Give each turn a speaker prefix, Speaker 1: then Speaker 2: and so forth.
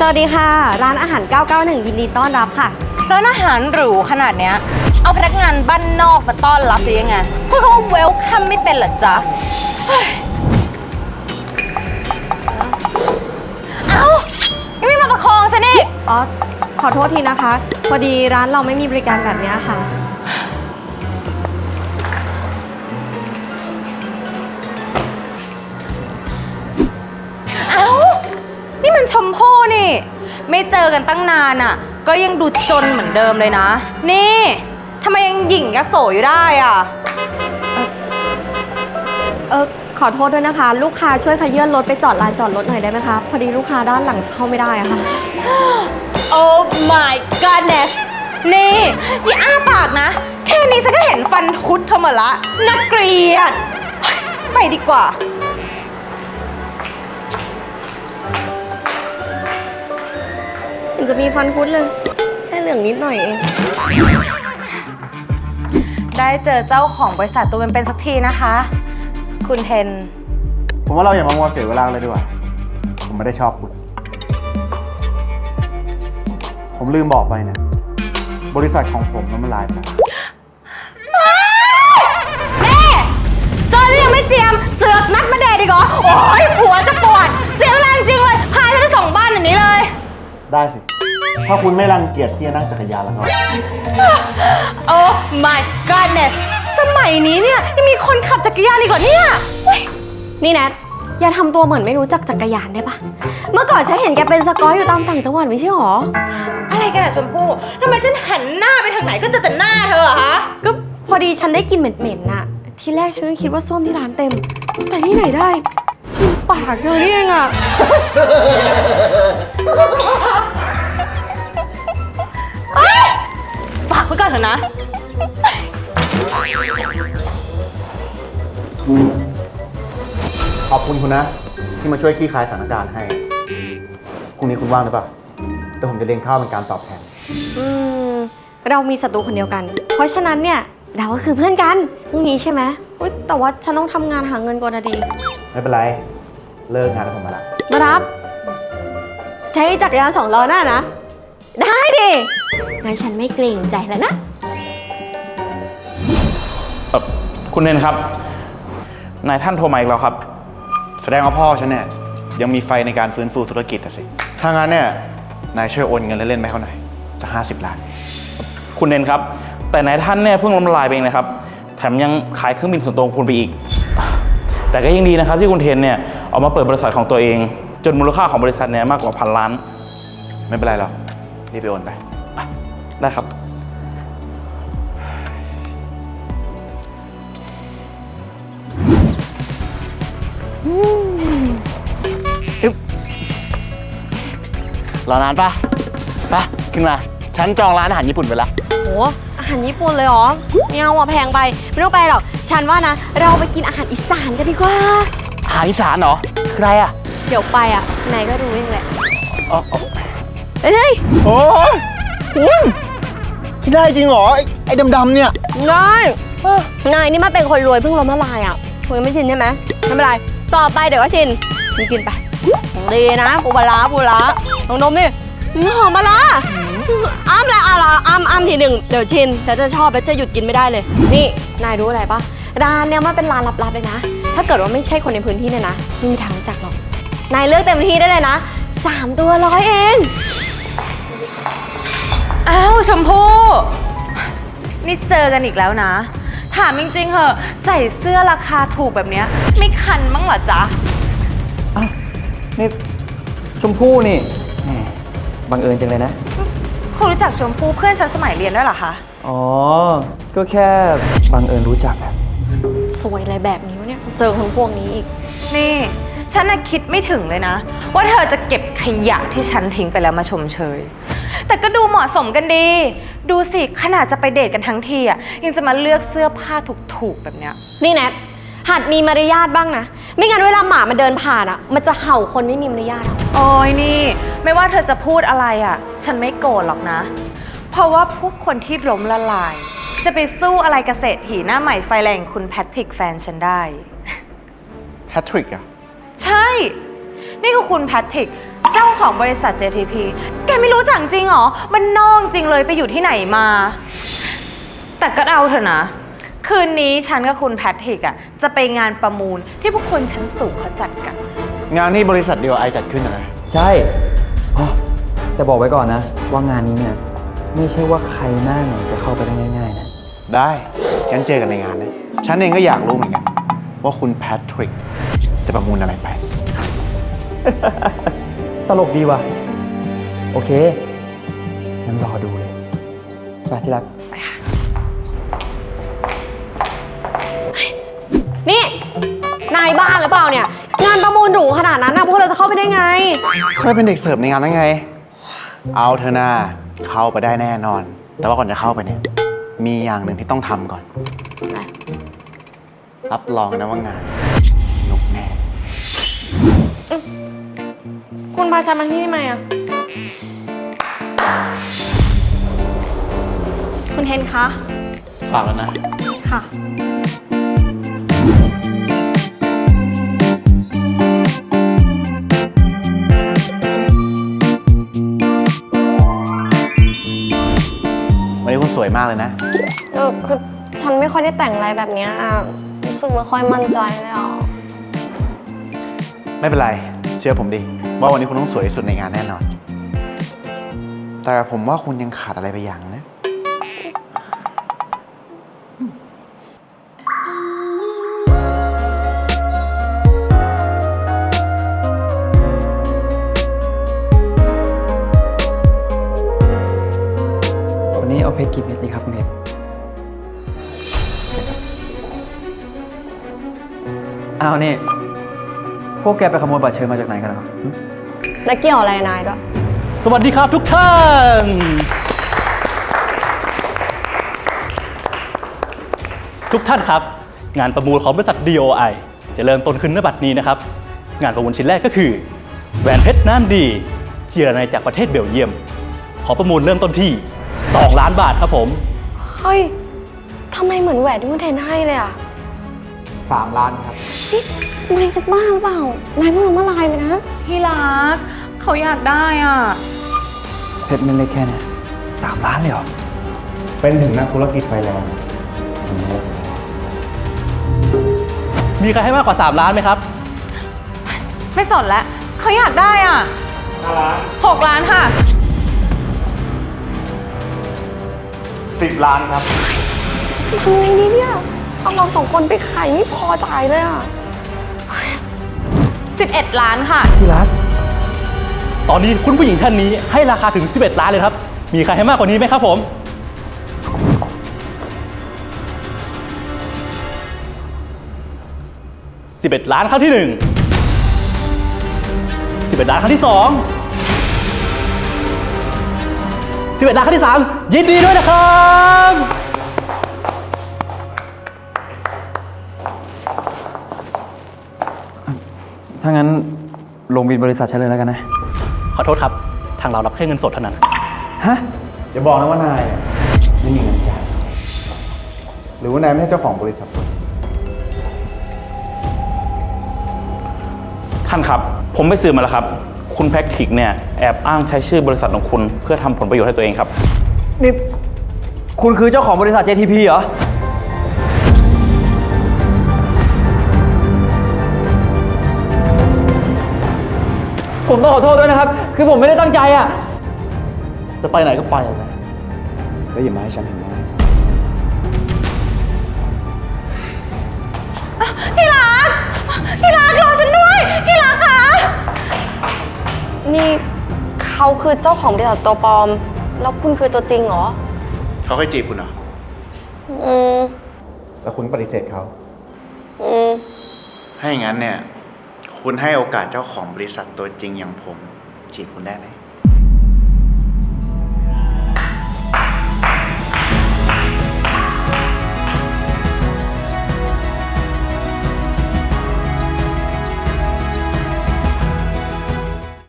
Speaker 1: สวัสดีค่ะร้านอาหาร 991 ยินดีต้อนรับค่ะ
Speaker 2: ร้านอาหารหรูขนาดเนี้ยเอาพนักงานบ้านนอกมาต้อนรับหรือยังไงพวกเขาเวลคัมไม่เป็นเหรอจ๊ะเอ้ายังไม่มาประคองฉันอีก
Speaker 1: อ๋อขอโทษทีนะคะพอดีร้านเราไม่มีบริการแบบนี้ค่ะ
Speaker 2: เอ้านี่มันชมพู่นี่ไม่เจอกันตั้งนานอ่ะก็ยังดูจนเหมือนเดิมเลยนะนี่ทำไมยังหยิ่งยโสอยู่ได้อ่ะ
Speaker 1: ขอโทษด้วยนะคะลูกค้าช่วยขยื่นรถไปจอดลานจอดรถหน่อยได้ไหมคะพอดีลูกค้าด้านหลังเข้าไม่ได้อะค่ะ
Speaker 2: Oh my goodness นี่อย่าอ้าปากนะแค่นี้ฉันก็เห็นฟันคุดเธอหมดละน่าเกลียดไปดีกว่า
Speaker 1: เห็นจะมีฟันคุดเลยแค่เหลืองนิดหน่อยเอง
Speaker 2: ได้เจอเจ้าของบริษัทตัวเป็นๆสักทีนะคะคุณเทน
Speaker 3: ผมว่าเราอย่ามามัวเสียเวลาเลยดีกว่าผมไม่ได้ชอบคุณผมลืมบอกไปนะบริษัทของผมมันลายไปแล้ว
Speaker 2: แม่เจอแล้วยังไม่เจียมเสือกนัดมาเดทอีกเหรอโอ้ยหัวจะปวดเสียเวลาจริงเลยพาฉันไปส่งบ้านอย่างนี้เลย
Speaker 3: ได้สิถ้าคุณไม่รังเกียจที่จะนั่งจักรยานแล้วก็
Speaker 2: Oh my goodness สมัยนี้เนี่ยยังมีคนขับจักรยานอีกเหรอเนี่ย
Speaker 1: นี่แนทอย่าทำตัวเหมือนไม่รู้จักจักรยานได้ปะเมื่อก่อนฉันเห็นแกเป็นสกอยอยู่ตามต่างจังหวัดไม่ใช่หรอ
Speaker 2: อะไรกันอะชมพู่ทำไมฉันหันหน้าไปทางไหนก็เจอแต่หน้าเธออะฮะ
Speaker 1: ก็พอดีฉันได้กลิ่นเหม็นๆน่ะทีแรกฉันก็คิดว่าส้วมที่ร้านเต็มแต่ที่ไหนได้กินปากเธอนี่เองอะ
Speaker 2: ฝากไว้ก่อนเถอะนะ
Speaker 3: ขอบคุณคุณนะที่มาช่วยคลี่คลายสถานการณ์ให้พรุ่งนี้คุณว่างหรือเปล่าแต่ผมจะเลี้ยงข้าวเป็นการตอบแทน
Speaker 1: เรามีศัตรูคนเดียวกันเพราะฉะนั้นเนี่ยเราก็คือเพื่อนกันพรุ่งนี้ใช่ไหมแต่ว่าฉันต้องทำงานหาเงินก่อนนะดี
Speaker 3: ไม่เป็นไรเลิกงานแล้วผมมาละ
Speaker 1: มารับใช้จักรยาน2 ล้อหน้านะได้ดิงั้นฉันไม่เกรงใจแล้วนะ
Speaker 4: คุณเนนครับนายท่านโทรมาอีกแล้วครับ
Speaker 3: แสดงว่าพ่อฉันเนี่ยยังมีไฟในการฟื้นฟูธุรกิจสิถ้างั้นเนี่ยนายช่วยโอนเงินเล่นๆไปเขาหน่อยจะ50 ล้าน
Speaker 4: คุณเนนครับแต่นายท่านเนี่ยเพิ่งล้มละลายไปเองนะครับแถมยังขายเครื่องบินส่วนตัวของคุณไปอีกแต่ก็ยังดีนะครับที่คุณเทนเนี่ยออกมาเปิดบริษัทของตัวเองจนมูลค่าของบริษัทเนี่ยมากกว่า1,000 ล้าน
Speaker 3: ไม่เป็นไรหรอกรีบไปโอนไป
Speaker 4: ได้ครับ
Speaker 5: รอนานปะขึ้นมาฉันจองร้านอาหารญี่ปุ่นไปละ
Speaker 1: โหอาหารญี่ปุ่นเลยเหรอไม่เอาแพงไปไม่ต้องไปหรอกฉันว่านะเราไปกินอาหารอีสานกันดีกว่า
Speaker 5: อาหารอีสานเหรอคืออะไรอะ
Speaker 1: เดี๋ยวไปอะนายก็รู้เองแหละเฮ้ย
Speaker 5: โอ้ยคุณคิดได้จริงเหรอไอ้ดำๆเนี่ย
Speaker 1: นายนี่มาเป็นคนรวยเพิ่งล้มละลายอ่ะคุณยังไม่ชินใช่ไหมไม่เป็นไรต่อไปเดี๋ยวก็ชินกินไปดีนะปูปลาลองดมดิหอมปลาอ้ำเลยอ้ำทีหนึ่งเดี๋ยวชินแต่จะชอบแล้วจะหยุดกินไม่ได้เลยนี่นายรู้อะไรปะร้านเนี้ยมันเป็นร้านลับๆเลยนะถ้าเกิดว่าไม่ใช่คนในพื้นที่เนี่ยนะไม่มีทางรู้จักหรอกนายเลือกเต็มที่ได้เลยนะ3 ตัว100เอง
Speaker 2: อ้าวชมพู่นี่เจอกันอีกแล้วนะถามจริงๆเหอะใส่เสื้อราคาถูกแบบเนี้ยไม่คันมั้งเหรอจ๊ะ
Speaker 4: อ้าวนี่ชมพู่นี่บังเอิญจังเลยนะ
Speaker 2: คุณรู้จักชมพู่เพื่อนฉันสมัยเรียนด้วยเหรอคะ
Speaker 4: อ๋อก็แค่บังเอิญรู้จักแบบ
Speaker 1: สวยอะไรแบบนี้วะเนี่ยเจอคนพวกนี้อีก
Speaker 2: นี่ฉันน่ะคิดไม่ถึงเลยนะว่าเธอจะเก็บขยะที่ฉันทิ้งไปแล้วมาชมเชยแต่ก็ดูเหมาะสมกันดีดูสิขนาดจะไปเดทกันทั้งทีอ่ะยังจะมาเลือกเสื้อผ้าถูกๆแบบเนี้ย
Speaker 1: นี่แนทหัดมีมารยาทบ้างนะไม่งั้นเวลาหมามันเดินผ่านอ่ะมันจะเห่าคนไม่มีมารยาท
Speaker 2: โอ้ยนี่ไม่ว่าเธอจะพูดอะไรอ่ะฉันไม่โกรธหรอกนะเพราะว่าพวกคนที่ล้มละลายจะไปสู้อะไรกับเศรษฐีหน้าใหม่ไฟแรงคุณแพทริกแฟนฉันได้
Speaker 3: แพทริกอะ
Speaker 2: ใช่นี่คือคุณแพทริกเจ้าของบริษัท JTP แกไม่รู้จักจริงเหรอมันนอกจริงเลยไปอยู่ที่ไหนมา แต่ก็เอาเถอะนะ คืนนี้ฉันกับคุณแพทริกอ่ะจะไปงานประมูลที่พวกคนชั้นสูงเขาจัดกัน
Speaker 3: งานนี้บริษัทเดียวไอจัดขึ้นนะ
Speaker 6: ใช่อ๋อแต่บอกไว้ก่อนนะ ว่างานนี้เนี่ย ไม่ใช่ว่าใครหน้าไหนจะเข้าไปได้ง่ายๆนะ
Speaker 3: ได้งั้นเจอกันในงานนะ ฉันเองก็อยากรู้เหมือนกัน ว่าคุณแพทริกจะประมูลอะไรไป
Speaker 6: ตลกดีว่ะ โอเค งั้นรอดูเลย ไปที่รัก
Speaker 1: นี่นายบ้าหรือเปล่าเนี่ย งานประมูลหรูขนาดนั้นนะพวกเราจะเข้าไปได้ไง
Speaker 3: เขาไปเป็นเด็กเสิร์ฟในงานนั้นไง เอาเธอหน้าเข้าไปได้แน่นอน แต่ว่าก่อนจะเข้าไปเนี่ย มีอย่างหนึ่งที่ต้องทำก่อน รับรองนะว่างานสนุกแน่
Speaker 1: คุณพาฉันมาที่นี่ทำไมอ่ะ คุณเทนคะ
Speaker 3: ฝากแล้วนะ
Speaker 1: ค่ะ
Speaker 3: วันนี้คุณสวยมากเลยนะ
Speaker 1: คือฉันไม่ค่อยได้แต่งอะไรแบบเนี้ยรู้สึกไม่ค่อยมั่นใจเลยอ่ะ
Speaker 3: ไม่เป็นไร เชื่อผมดิ ว่าวันนี้คุณต้องสวยที่สุดในงานแน่นอน แต่ผมว่าคุณยังขาดอะไรไปอย่างนะ
Speaker 6: วันนี้เอาเพชรกี่เม็ดดีครับคุณเพชรอ้าวนี่ พวกแกไปขโมยบัตรเชิญมาจากไหนกันเหรอหึ
Speaker 1: แล้วเกี่ยวอะไรนายด้วย
Speaker 7: สวัสดีครับทุกท่าน ทุกท่านครับ งานประมูลของบริษัท DOI จะเริ่มต้นขึ้นณบัดนี้นะครับ งานประมูลชิ้นแรกก็คือแหวนเพชรน้ำดีเจียรนัยจากประเทศเบลเยียม ขอประมูลเริ่มต้นที่ 2 ล้านบาทครับผม
Speaker 1: เฮ้ย ทำไมเหมือนแหวนที่คุณเทนให้เลยอ่ะ
Speaker 3: 3 ล้านครับ
Speaker 1: นายจะบ้าหรือเปล่า นายเพิ่งล้มละลายไปนะ
Speaker 2: พี่รักเขาอยากได้อ่ะ
Speaker 6: เพชรเม็ดเล็กแค่เนี่ย3 ล้านเลยเหรอ
Speaker 3: เป็นถึงนักธุรกิจไฟแรง
Speaker 7: มีใครให้มากกว่า 3 ล้านไหมครับ
Speaker 2: ไม่สนแล้วเขาอยากได้อ่ะ6 ล้านค่ะ
Speaker 3: 10 ล้านครับ
Speaker 1: ทำไงดีเนี่ย เอาเรา2 คนไปขายไม่พอจ่ายเลยอ่ะ
Speaker 2: 11 ล้านค่ะ
Speaker 6: ที่รัก
Speaker 7: ตอนนี้คุณผู้หญิงท่านนี้ให้ราคาถึง 11 ล้านเลยครับ มีใครให้มากกว่านี้ไหมครับผม 11 ล้านครั้งที่ 1 11 ล้านครั้งที่ 2 11 ล้านครั้งที่ 3 ยินดีด้วยนะครับ
Speaker 6: ถ้างั้นลงบินบริษัทฉันเลยแล้วกันนะ
Speaker 7: ขอโทษครับ ทางเรารับแค่เงินสดเท่านั้น
Speaker 6: ฮะ
Speaker 3: อย่าบอกนะว่านายไม่มีเงินจ่าย หรือว่านายไม่ใช่เจ้าของบริษัท
Speaker 4: ท่านครับ ผมไปสืบมาแล้วครับ คุณแพทริกเนี่ยแอบอ้างใช้ชื่อบริษัทของคุณเพื่อทำผลประโยชน์ให้ตัวเองครับ
Speaker 6: นี่คุณคือเจ้าของบริษัท JTP เหรอ ผมต้องขอโทษด้วยนะครับ คือผมไม่ได้ตั้งใจอ่ะ
Speaker 3: จะไปไหนก็ไปเลยนะแล้วอย่ามาให้ฉันเห็นหน้า
Speaker 2: พี่รักรอฉันด้วย พี่รักคะ
Speaker 1: นี่เขาคือเจ้าของบริษัทตัวปลอม แล้วคุณคือตัวจริงเหรอ
Speaker 3: เขาเคยจีบคุณเหรอ
Speaker 1: อืม
Speaker 3: แต่คุณปฏิเสธเขา
Speaker 1: อืม
Speaker 3: ถ้าอย่างนั้นเนี่ย คุณให้โอกาสเจ้าของบริษัทตัวจริงอย่างผมจีบคุณได้ไหม